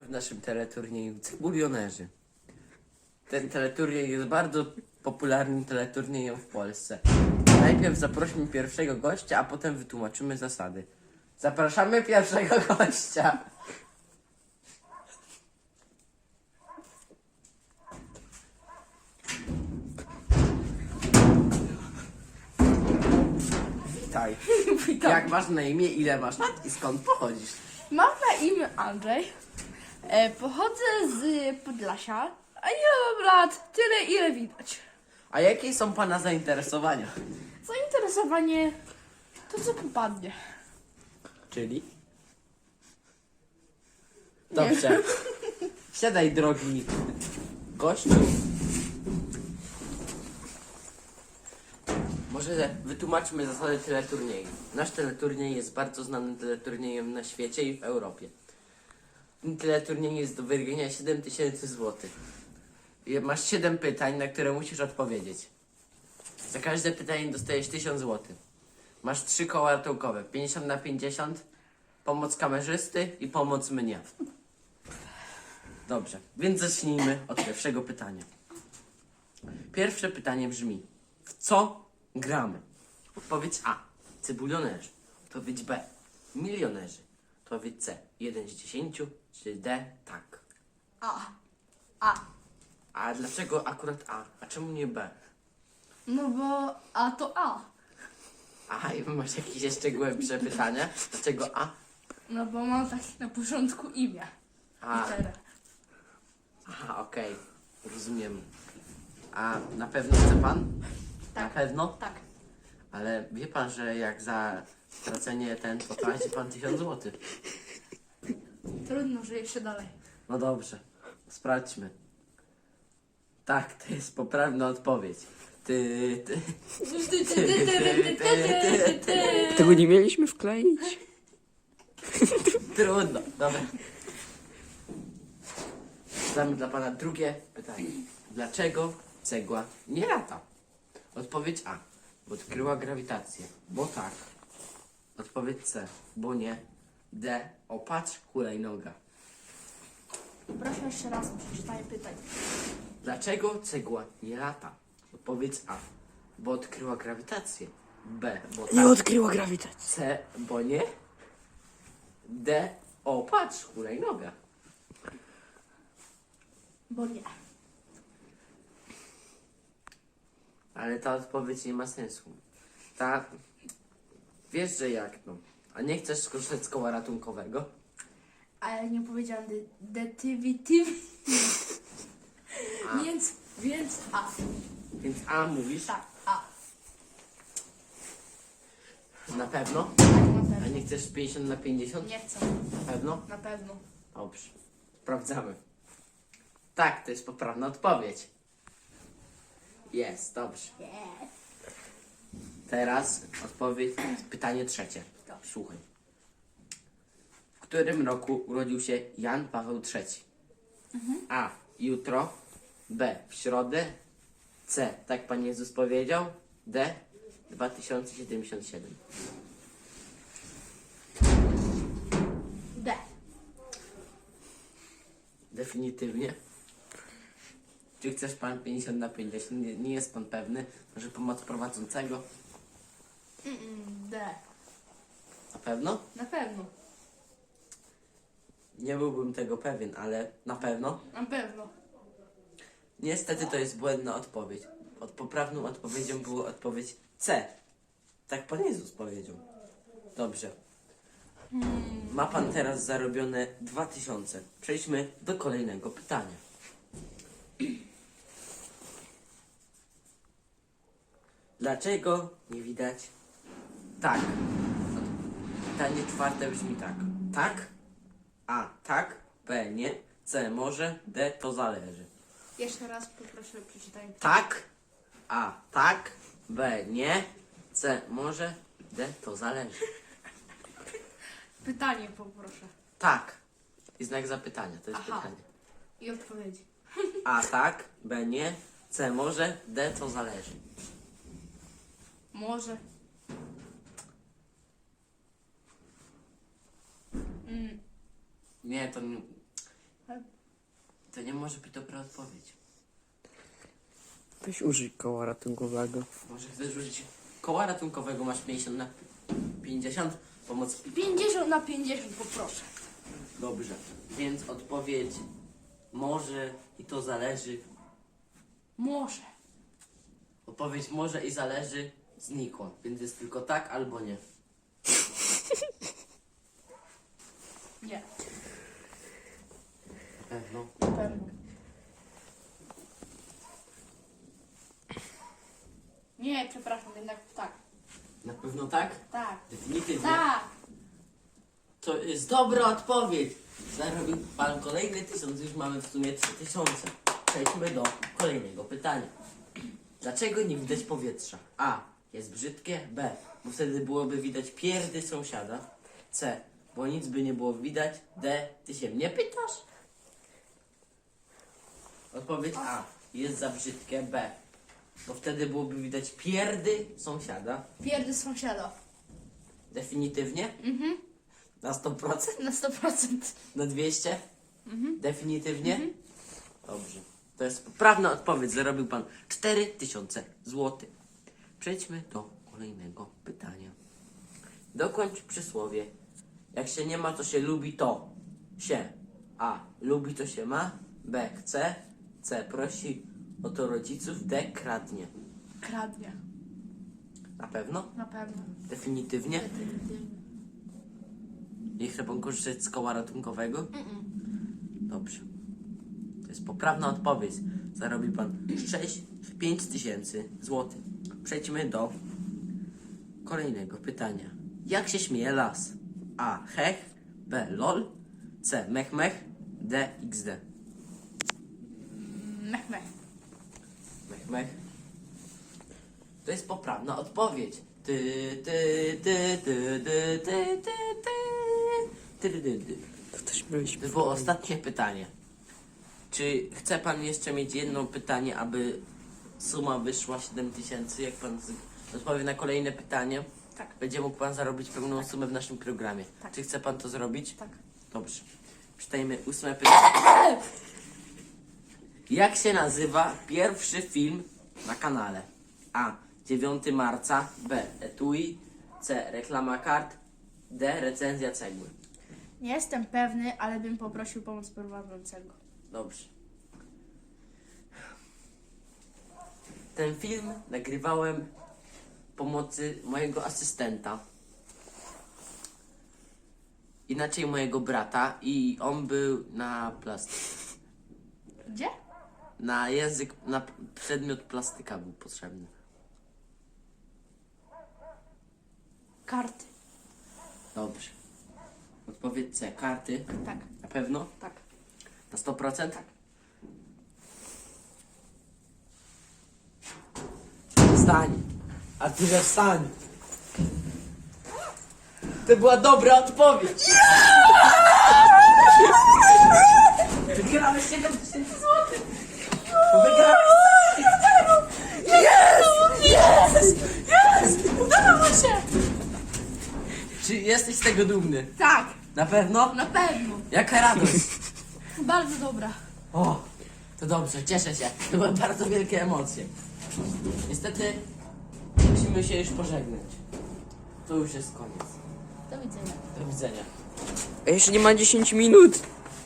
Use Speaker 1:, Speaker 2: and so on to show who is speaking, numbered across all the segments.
Speaker 1: w naszym teleturnieju Cebulionerzy. Ten teleturniej jest bardzo popularnym teleturniejem w Polsce. Najpierw zaprośmy pierwszego gościa, a potem wytłumaczymy zasady. Zapraszamy pierwszego gościa. Witaj.
Speaker 2: Witam.
Speaker 1: Jak masz na imię, ile masz lat i skąd pochodzisz?
Speaker 2: Mam na imię Andrzej. Pochodzę z Podlasia, a ile mam lat? Tyle, ile widać.
Speaker 1: A jakie są pana zainteresowania?
Speaker 2: Zainteresowanie to, co popadnie.
Speaker 1: Czyli? Dobrze. Siadaj, drogi gościu. Może wytłumaczmy zasady teleturnieju. Nasz teleturniej jest bardzo znanym teleturniejem na świecie i w Europie. Ten teleturniej jest do wygrania 7000 zł. I masz 7 pytań, na które musisz odpowiedzieć. Za każde pytanie dostajesz 1000 zł. Masz 3 koła ratunkowe, 50 na 50, pomoc kamerzysty i pomoc mnie. Dobrze, więc zacznijmy od pierwszego pytania. Pierwsze pytanie brzmi: w co gramy? Odpowiedź A. Cebulionerzy. Odpowiedź B. Milionerzy. Odpowiedź C. 1 z 10. Czy D. Tak.
Speaker 2: A.
Speaker 1: A dlaczego akurat A? A czemu nie B?
Speaker 2: No bo A to A.
Speaker 1: A, i masz jakieś jeszcze głębsze pytania? Dlaczego A?
Speaker 2: No bo mam tak na początku imię.
Speaker 1: A.
Speaker 2: Literę.
Speaker 1: Aha, okej. Rozumiem. A na pewno chce pan?
Speaker 2: Tak.
Speaker 1: Na pewno?
Speaker 2: Tak.
Speaker 1: Ale wie pan, że jak za stracenie ten, to traci pan 1000 zł.
Speaker 2: Trudno, że jeszcze dalej.
Speaker 1: No dobrze, sprawdźmy. Tak, to jest poprawna odpowiedź. Ty.
Speaker 3: Tego nie mieliśmy wkleić?
Speaker 1: Trudno, dobra. Zadamy dla pana drugie pytanie. Dlaczego cegła nie lata? Odpowiedź A. Bo odkryła grawitację. Bo tak. Odpowiedź C. Bo nie. D. O, patrz, hulajnoga.
Speaker 2: Proszę jeszcze raz, przeczytaj pytań.
Speaker 1: Dlaczego cegła nie lata? Odpowiedź A. Bo odkryła grawitację. B. Bo
Speaker 3: Nie
Speaker 1: tak.
Speaker 3: odkryła grawitacji.
Speaker 1: C. Bo nie. D. O, patrz, hulajnoga.
Speaker 2: Bo nie.
Speaker 1: Ale ta odpowiedź nie ma sensu. Ta... Wiesz, że jak, no. A nie chcesz skorzystać z koła ratunkowego?
Speaker 2: Ale nie powiedziałam
Speaker 1: A.
Speaker 2: Więc A.
Speaker 1: Więc A mówisz?
Speaker 2: Tak, A.
Speaker 1: Na pewno?
Speaker 2: Tak, na
Speaker 1: A
Speaker 2: pewno.
Speaker 1: nie chcesz 50 na 50?
Speaker 2: Nie chcę.
Speaker 1: Na pewno?
Speaker 2: Na pewno.
Speaker 1: Dobrze. Sprawdzamy. Tak, to jest poprawna odpowiedź. Jest, dobrze. Teraz odpowiedź, pytanie trzecie.
Speaker 2: Dobrze.
Speaker 1: Słuchaj. W którym roku urodził się Jan Paweł III? A. Jutro. B. W środę. C. Tak Pan Jezus powiedział. D. 2077.
Speaker 2: D.
Speaker 1: Definitywnie. Czy chcesz pan 50 na 50? Nie jest pan pewny. Może pomoc prowadzącego?
Speaker 2: D.
Speaker 1: Na pewno?
Speaker 2: Na pewno.
Speaker 1: Nie byłbym tego pewien, ale na pewno.
Speaker 2: Na pewno.
Speaker 1: Niestety to jest błędna odpowiedź. Poprawną odpowiedzią była odpowiedź C. Tak Pan Jezus powiedział. Dobrze. Ma pan teraz zarobione 2000. Przejdźmy do kolejnego pytania. Dlaczego nie widać? Tak. Pytanie czwarte brzmi tak. Tak. A. Tak. B. Nie. C. Może. D. To zależy.
Speaker 2: Jeszcze raz poproszę przeczytaj.
Speaker 1: Tak. A. Tak. B. Nie. C. Może. D. To zależy.
Speaker 2: Pytanie poproszę.
Speaker 1: Tak. I znak zapytania. To jest
Speaker 2: Aha.
Speaker 1: pytanie.
Speaker 2: I odpowiedzi.
Speaker 1: A. Tak. B. Nie. C. Może. D. To zależy.
Speaker 2: Może.
Speaker 1: Nie, to To nie może być dobra odpowiedź.
Speaker 3: Weź użyj koła ratunkowego.
Speaker 1: Może chcesz użyć koła ratunkowego, masz 50 na 50, pomoc
Speaker 2: 50 na 50 poproszę.
Speaker 1: Dobrze, więc odpowiedź może i to zależy.
Speaker 2: Może.
Speaker 1: Odpowiedź może i zależy znikła, więc jest tylko tak albo nie.
Speaker 2: Nie.
Speaker 1: Pewno.
Speaker 2: Na pewno. Nie, przepraszam, jednak tak.
Speaker 1: Na pewno tak?
Speaker 2: Tak.
Speaker 1: Definitywnie.
Speaker 2: Tak.
Speaker 1: To jest dobra odpowiedź. Zarobił pan kolejny 1000, już mamy w sumie 3000. Przejdźmy do kolejnego pytania. Dlaczego nie widać powietrza? A. Jest brzydkie. B. Bo wtedy byłoby widać pierdy sąsiada. C. Bo nic by nie było widać. D. Ty się mnie pytasz? Odpowiedź A. Jest za brzydkie. B. Bo wtedy byłoby widać pierdy sąsiada.
Speaker 2: Pierdy sąsiada.
Speaker 1: Definitywnie? Na 100%?
Speaker 2: Na 100%.
Speaker 1: Na 200? Definitywnie? Dobrze. To jest poprawna odpowiedź. Zarobił pan 4000 zł. Przejdźmy do kolejnego pytania. Dokończ przysłowie. Jak się nie ma, to się lubi to. Się. A. Lubi, to się ma. B. Chce. C. Prosi o to rodziców. D. Kradnie.
Speaker 2: Kradnie.
Speaker 1: Na pewno?
Speaker 2: Na pewno.
Speaker 1: Definitywnie? Nie chce pan korzystać z koła ratunkowego? Dobrze. To jest poprawna odpowiedź. Zarobi pan 5000 zł. Przejdźmy do kolejnego pytania. Jak się śmieje las? A. Hech. B. Lol. C. Mech mech. D. XD.
Speaker 2: Mech, mech.
Speaker 1: Mech mech. To jest poprawna odpowiedź. Ty, ty, ty, ty, ty, ty, ty, ty, ty, ty, ty.
Speaker 3: To też byliśmy.
Speaker 1: To było ostatnie pytanie. Czy chce pan jeszcze mieć jedno pytanie, aby suma wyszła 7000? Jak pan odpowie na kolejne pytanie,
Speaker 2: Tak.
Speaker 1: będzie mógł pan zarobić pełną sumę w naszym programie.
Speaker 2: Tak.
Speaker 1: Czy chce pan to zrobić?
Speaker 2: Tak.
Speaker 1: Dobrze. Czytajmy 8 pytanie. Jak się nazywa pierwszy film na kanale? A. 9 marca. B. Etui. C. Reklama kart. D. Recenzja cegły.
Speaker 2: Nie jestem pewny, ale bym poprosił pomoc prowadzącego.
Speaker 1: Dobrze. Ten film nagrywałem pomocy mojego asystenta. Inaczej mojego brata i on był na plastyce.
Speaker 2: Gdzie?
Speaker 1: Na język, na przedmiot plastyka był potrzebny.
Speaker 2: Karty.
Speaker 1: Dobrze. Odpowiedź C. Karty.
Speaker 2: Tak.
Speaker 1: Na pewno?
Speaker 2: Tak.
Speaker 1: Na 100%?
Speaker 2: Tak.
Speaker 1: Wstań. Arturze, wstań. To była dobra odpowiedź. Wygrałeś 7000 zł. Wygrałeś.
Speaker 2: Udało się!
Speaker 1: Czy jesteś z tego dumny?
Speaker 2: Tak.
Speaker 1: Na pewno?
Speaker 2: Na pewno.
Speaker 1: Jaka radość.
Speaker 2: Bardzo dobra.
Speaker 1: O, to dobrze, cieszę się. To były bardzo wielkie emocje. Niestety musimy się już pożegnać. To już jest koniec.
Speaker 2: Do widzenia.
Speaker 1: Do widzenia.
Speaker 3: A jeszcze nie ma 10 minut.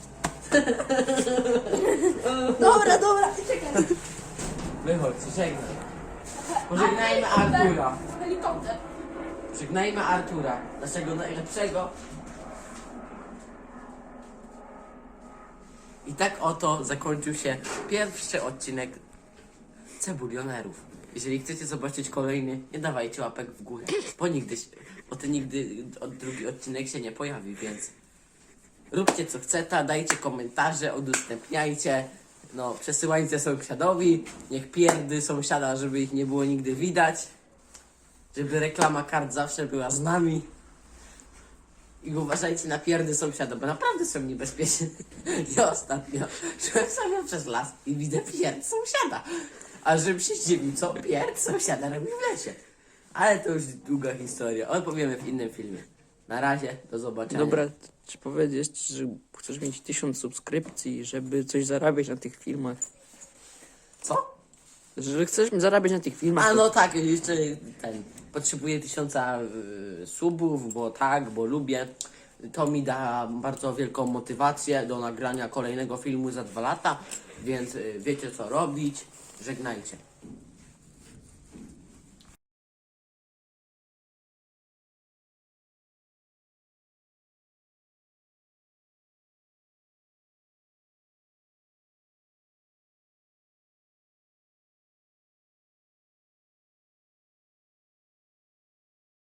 Speaker 2: Dobra, czekaj.
Speaker 1: Wychodź, żegnaj. Pożegnajmy Artura.
Speaker 2: Helikopter.
Speaker 1: Żegnajmy Artura, naszego najlepszego. I tak oto zakończył się pierwszy odcinek Cebulionerów. Jeżeli chcecie zobaczyć kolejny, nie dawajcie łapek w górę, bo nigdy drugi odcinek się nie pojawi, więc róbcie co chcecie, dajcie komentarze, udostępniajcie, no przesyłajcie sąsiadowi, niech pierdy sąsiada, żeby ich nie było nigdy widać, żeby reklama kart zawsze była z nami. I uważajcie na pierdy sąsiada, bo naprawdę są niebezpieczne. Ja ostatnio szłem sobie przez las i widzę pierd sąsiada. A żebym się zdziwił, co pierd sąsiada robi w lesie. Ale to już długa historia, opowiemy w innym filmie. Na razie, do zobaczenia.
Speaker 3: Dobra, czy powiedzieć, że chcesz mieć 1000 subskrypcji, żeby coś zarabiać na tych filmach?
Speaker 1: Co?
Speaker 3: Że chcesz zarabiać na tych filmach?
Speaker 1: A
Speaker 3: to-
Speaker 1: no tak, jeszcze potrzebuję 1000 subów, bo lubię. To mi da bardzo wielką motywację do nagrania kolejnego filmu za 2 lata, więc wiecie co robić. Żegnajcie.